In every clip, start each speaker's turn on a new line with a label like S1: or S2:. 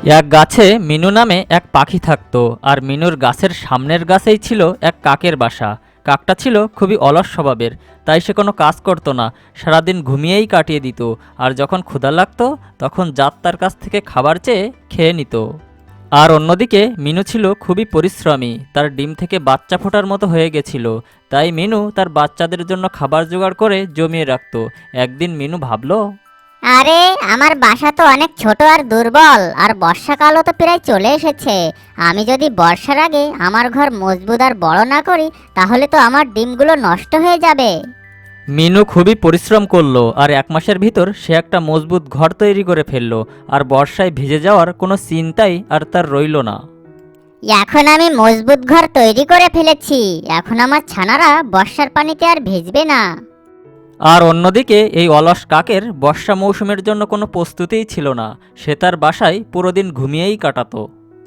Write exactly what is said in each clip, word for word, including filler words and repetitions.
S1: এক গাছে মিনু নামে এক পাখি থাকতো। আর মিনুর গাছের সামনের গাছেই ছিল এক কাকের বাসা। কাকটা ছিল খুবই অলস স্বভাবের, তাই সে কোনো কাজ করতো না, সারাদিন ঘুমিয়েই কাটিয়ে দিত। আর যখন ক্ষুধা লাগতো তখন জাত তার কাছ থেকে খাবার চেয়ে খেয়ে নিত। আর অন্যদিকে মিনু ছিল খুবই পরিশ্রমী, তার ডিম থেকে বাচ্চা ফোটার মতো হয়ে গেছিল। তাই মিনু তার বাচ্চাদের জন্য খাবার জোগাড় করে জমিয়ে রাখত। একদিন মিনু ভাবলো,
S2: আরে আমার বাসা তো অনেক ছোট আর দুর্বল, আর বর্ষাকালও তো প্রায় চলে এসেছে। আমি যদি বর্ষার আগে আমার ঘর মজবুত আর বড় না করি, তাহলে তো আমার ডিমগুলো নষ্ট হয়ে যাবে।
S1: মিনু খুবই পরিশ্রম করলো আর এক মাসের ভিতর সে একটা মজবুত ঘর তৈরি করে ফেললো। আর বর্ষায় ভিজে যাওয়ার কোনো চিন্তাই আর তার রইল না।
S2: এখন আমি মজবুত ঘর তৈরি করে ফেলেছি, এখন আমার ছানারা বর্ষার পানিতে আর ভিজবে না।
S1: আর অন্যদিকে এই অলস কাকের বর্ষা মৌসুমের জন্য কোনো প্রস্তুতিই ছিল না। সে তার বাসায় পুরো দিন ঘুমিয়েই কাটাতো।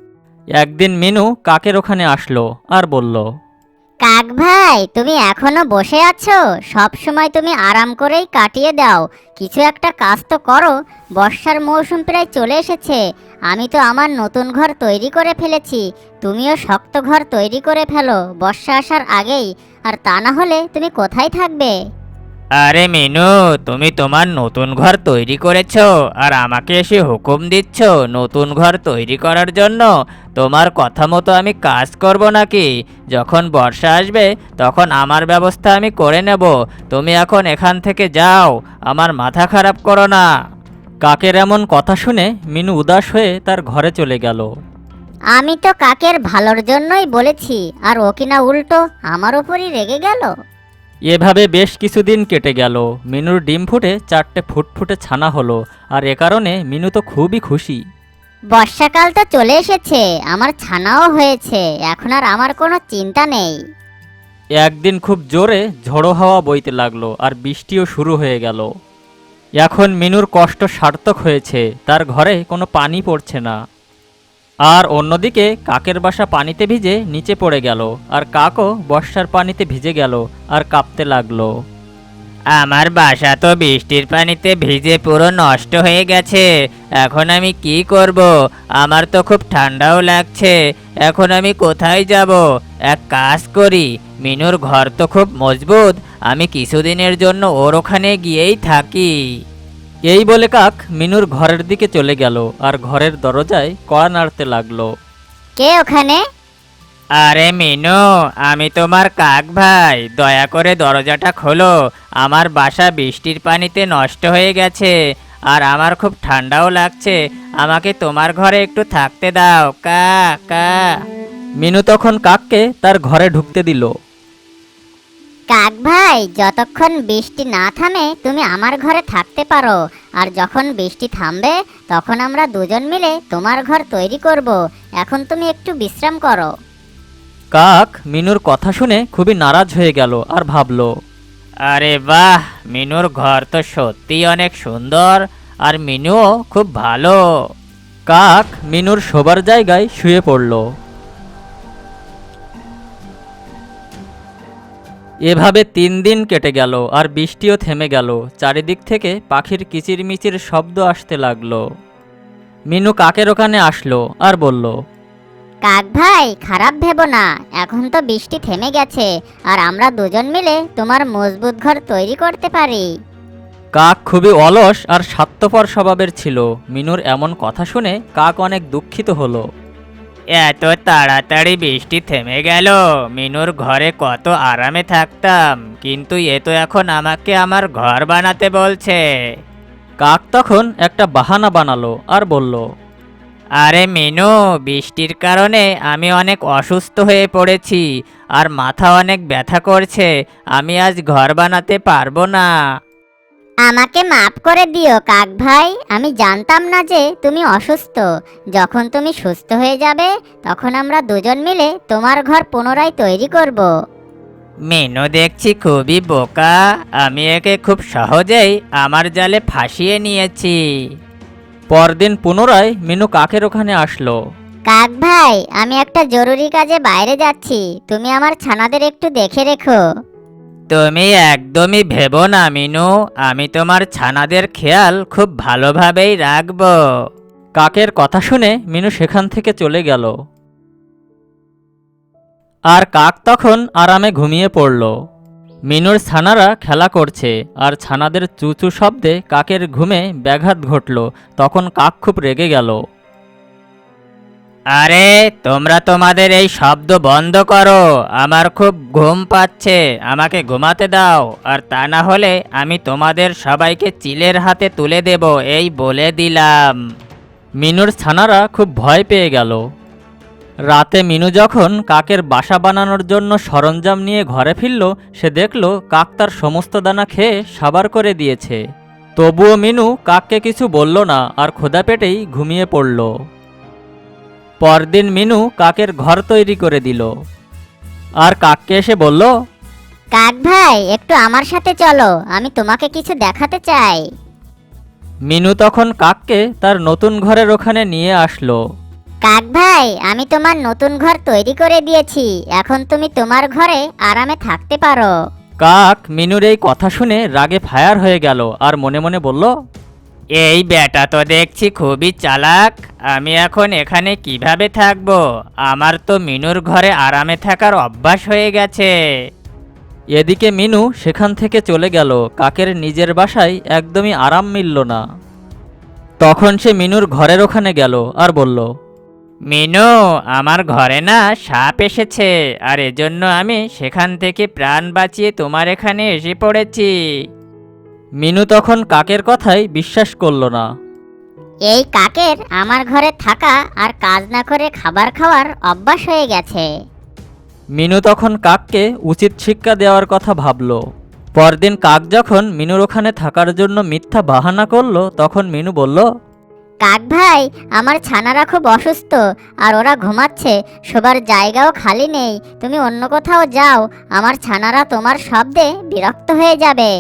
S1: একদিন মিনু কাকের ওখানে আসলো আর বলল,
S2: কাক ভাই, তুমি এখনো বসে আছো? সব সময় তুমি আরাম করেই কাটিয়ে দাও, কিছু একটা কাজ তো করো। বর্ষার মৌসুম প্রায় চলে এসেছে, আমি তো আমার নতুন ঘর তৈরি করে ফেলেছি। তুমিও শক্ত ঘর তৈরি করে ফেলো বর্ষা আসার আগেই, আর তা না হলে তুমি কোথায় থাকবে?
S3: আরে মিনু, তুমি তোমার নতুন ঘর তৈরি করেছো আর আমাকে এসে হুকুম দিচ্ছ নতুন ঘর তৈরি করার জন্য? তোমার কথা মতো আমি কাজ করব নাকি? যখন বর্ষা আসবে তখন আমার ব্যবস্থা আমি করে নেব। তুমি এখন এখান থেকে যাও, আমার মাথা খারাপ করো না।
S1: কাকের এমন কথা শুনে মিনু উদাস হয়ে তার ঘরে চলে গেল।
S2: আমি তো কাকের ভালোর জন্যই বলেছি, আর ও কিনা উল্টো আমার ওপরই রেগে গেল।
S1: এভাবে বেশ কিছুদিন কেটে গেল। মিনুর ডিম ফুটে চারটে ফুটফুটে ছানা হলো। আর এ কারণে মিনু তো খুবই খুশি।
S2: বর্ষাকাল তো চলে এসেছে, আমার ছানাও হয়েছে, এখন আর আমার কোনো চিন্তা নেই।
S1: একদিন খুব জোরে ঝড়ো হাওয়া বইতে লাগলো আর বৃষ্টিও শুরু হয়ে গেল। এখন মিনুর কষ্ট সার্থক হয়েছে, তার ঘরে কোনো পানি পড়ছে না। আর অন্যদিকে কাকের বাসা পানিতে ভিজে নিচে পড়ে গেল। আর কাকও বর্ষার পানিতে ভিজে গেল আর কাঁপতে লাগলো।
S3: আমার বাসা তো বৃষ্টির পানিতে ভিজে পুরো নষ্ট হয়ে গেছে। এখন আমি কি করব? আমার তো খুব ঠান্ডাও লাগছে। এখন আমি কোথায় যাব? এক কাজ করি, মিনুর ঘর তো খুব মজবুত, আমি কিছুদিনের জন্য ওর ওখানে গিয়েই থাকি।
S1: এই বলে কাক মিনুর ঘরের দিকে চলে গেল আর ঘরের দরজায় কড়া নাড়তে লাগলো।
S2: কে ওখানে?
S3: আরে মিনু, আমি তোমার কাক ভাই, দয়া করে দরজাটা খোলো। আমার বাসা বৃষ্টির পানিতে নষ্ট হয়ে গেছে আর আমার খুব ঠান্ডাও লাগছে। আমাকে তোমার ঘরে একটু থাকতে দাও, কা কা।
S1: মিনু তখন কাককে তার ঘরে ঢুকতে দিল।
S2: কাক ভাই, যতক্ষণ বৃষ্টি না থামে তুমি আমার ঘরে থাকতে পারো, আর যখন বৃষ্টি থামবে তখন আমরা দুজন মিলে তোমার ঘর তৈরি করব। এখন তুমি একটু বিশ্রাম করো।
S1: কাক মিনুর কথা শুনে খুবই নারাজ হয়ে গেল আর ভাবল,
S3: আরে বাহ, মিনুর ঘর তো সত্যিই অনেক সুন্দর, আর মিনুও খুব ভালো।
S1: কাক মিনুর শোবার জায়গায় শুয়ে পড়ল। এভাবে তিন দিন কেটে গেল আর বৃষ্টিও থেমে গেল। চারিদিক থেকে পাখির কিচিরমিচির শব্দ আসতে লাগলো। মিনু কাকের ওখানে আসলো আর বলল,
S2: কাক ভাই, খারাপ ভেবো না, এখন তো বৃষ্টি থেমে গেছে, আর আমরা দুজন মিলে তোমার মজবুত ঘর তৈরি করতে পারি।
S1: কাক খুবই অলস আর স্বার্থপর স্বভাবের ছিল। মিনুর এমন কথা শুনে কাক অনেক দুঃখিত হলো।
S3: এত তাড়াতাড়ি বৃষ্টি থেমে গেল, মিনুর ঘরে কত আরামে থাকতাম, কিন্তু এ তো এখন আমাকে আমার ঘর বানাতে বলছে।
S1: কাক তখন একটা বাহানা বানালো আর বলল,
S3: আরে মিনু, বৃষ্টির কারণে আমি অনেক অসুস্থ হয়ে পড়েছি আর মাথা অনেক ব্যথা করছে, আমি আজ ঘর বানাতে পারবো না।
S2: আমাকে মাফ করে দিও কাক ভাই, আমি জানতাম না যে তুমি অসুস্থ। যখন তুমি সুস্থ হয়ে যাবে তখন আমরা দুজন মিলে তোমার ঘর পুনরায় তৈরি করব।
S3: মিনু দেখছি খুবই বোকা, আমি একে খুব সহজেই আমার জালে ফাঁসিয়ে নিয়েছি।
S1: পরদিন পুনরায় মিনু কাকের ওখানে আসলো।
S2: কাক ভাই, আমি একটা জরুরি কাজে বাইরে যাচ্ছি, তুমি আমার ছানাদের একটু দেখে রেখো।
S3: তুমি একদমই ভেবো না মিনু, আমি তোমার ছানাদের খেয়াল খুব ভালোভাবেই রাখবো।
S1: কাকের কথা শুনে মিনু সেখান থেকে চলে গেল। আর কাক তখন আরামে ঘুমিয়ে পড়ল। মিনুর ছানারা খেলা করছে, আর ছানাদের চুচু শব্দে কাকের ঘুমে ব্যাঘাত ঘটল। তখন কাক খুব রেগে গেল।
S3: আরে তোমরা তোমাদের এই শব্দ বন্ধ করো, আমার খুব ঘুম পাচ্ছে, আমাকে ঘুমাতে দাও, আর তা না হলে আমি তোমাদের সবাইকে চিলের হাতে তুলে দেব, এই বলে দিলাম।
S1: মিনুর ছানারা খুব ভয় পেয়ে গেল। রাতে মিনু যখন কাকের বাসা বানানোর জন্য সরঞ্জাম নিয়ে ঘরে ফিরল, সে দেখল কাক তার সমস্ত দানা খেয়ে সাবার করে দিয়েছে। তবুও মিনু কাককে কিছু বলল না, আর ক্ষুধা পেটেই ঘুমিয়ে পড়ল। পরদিন মিনু কাকের ঘর তৈরি করে দিল, আর কাককে এসে বলল,
S2: কাক ভাই, একটু আমার সাথে চলো, আমি তোমাকে কিছু দেখাতে চাই।
S1: মিনু তখন কাককে তার নতুন ঘরের ওখানে নিয়ে আসলো।
S2: কাক ভাই, আমি তোমার নতুন ঘর তৈরি করে দিয়েছি, এখন তুমি তোমার ঘরে আরামে থাকতে পারো।
S1: কাক মিনুর এই কথা শুনে রাগে ফায়ার হয়ে গেল, আর মনে মনে বলল,
S3: এই বেটা তো দেখছি খুবই চালাক, আমি এখন এখানে কিভাবে থাকবো? আমার তো মিনুর ঘরে আরামে থাকার অভ্যাস হয়ে গেছে।
S1: এদিকে মিনু সেখান থেকে চলে গেল। কাকের নিজের বাসায় একদমই আরাম মিলল না। তখন সে মিনুর ঘরের ওখানে গেল আর বলল,
S3: মিনু, আমার ঘরে না সাপ এসেছে, আর এজন্য আমি সেখান থেকে প্রাণ বাঁচিয়ে তোমার এখানে এসে পড়েছি।
S1: মিনু তখন কাকের কথাই বিশ্বাস করল না।
S2: এই কাকের আমার ঘরে থাকা আর কাজ না করে খাবার খাওয়ার অভ্যাস হয়ে গেছে।
S1: মিনু তখন কাককে উচিত শিক্ষা দেওয়ার কথা ভাবল। পরদিন কাক যখন মিনুর ওখানে থাকার জন্য মিথ্যা বাহানা করলো, তখন মিনু বলল,
S2: কাক ভাই, আমার ছানারা খুব অসুস্থ, আর ওরা ঘুমাচ্ছে, শোবার জায়গাও খালি নেই, তুমি অন্য কোথাও যাও, আমার ছানারা তোমার শব্দে বিরক্ত হয়ে যাবে।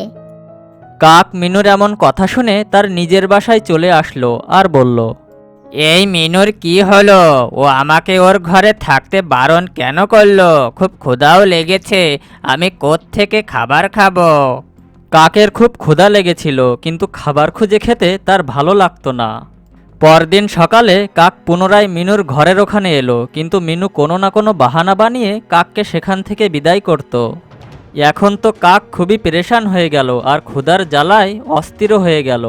S1: কাক মিনুর এমন কথা শুনে তার নিজের বাসায় চলে আসলো আর বলল,
S3: এই মিনুর কি হলো? ও আমাকে ওর ঘরে থাকতে বারণ কেন করলো? খুব ক্ষুধাও লেগেছে, আমি কোত্থেকে খাবার খাবো?
S1: কাকের খুব ক্ষুধা লেগেছিল, কিন্তু খাবার খুঁজে খেতে তার ভালো লাগতো না। পরদিন সকালে কাক পুনরায় মিনুর ঘরের ওখানে এলো, কিন্তু মিনু কোনো না কোনো বাহানা বানিয়ে কাককে সেখান থেকে বিদায় করত। এখন তো কাক খুবই পেরেশান হয়ে গেল, আর ক্ষুধার জ্বালায় অস্থির হয়ে গেল।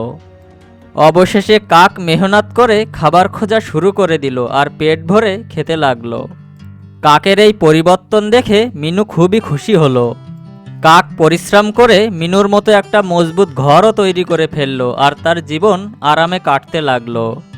S1: অবশেষে কাক মেহনত করে খাবার খোঁজা শুরু করে দিল, আর পেট ভরে খেতে লাগলো। কাকের এই পরিবর্তন দেখে মিনু খুবই খুশি হলো। কাক পরিশ্রম করে মিনুর মতো একটা মজবুত ঘরও তৈরি করে ফেললো, আর তার জীবন আরামে কাটতে লাগলো।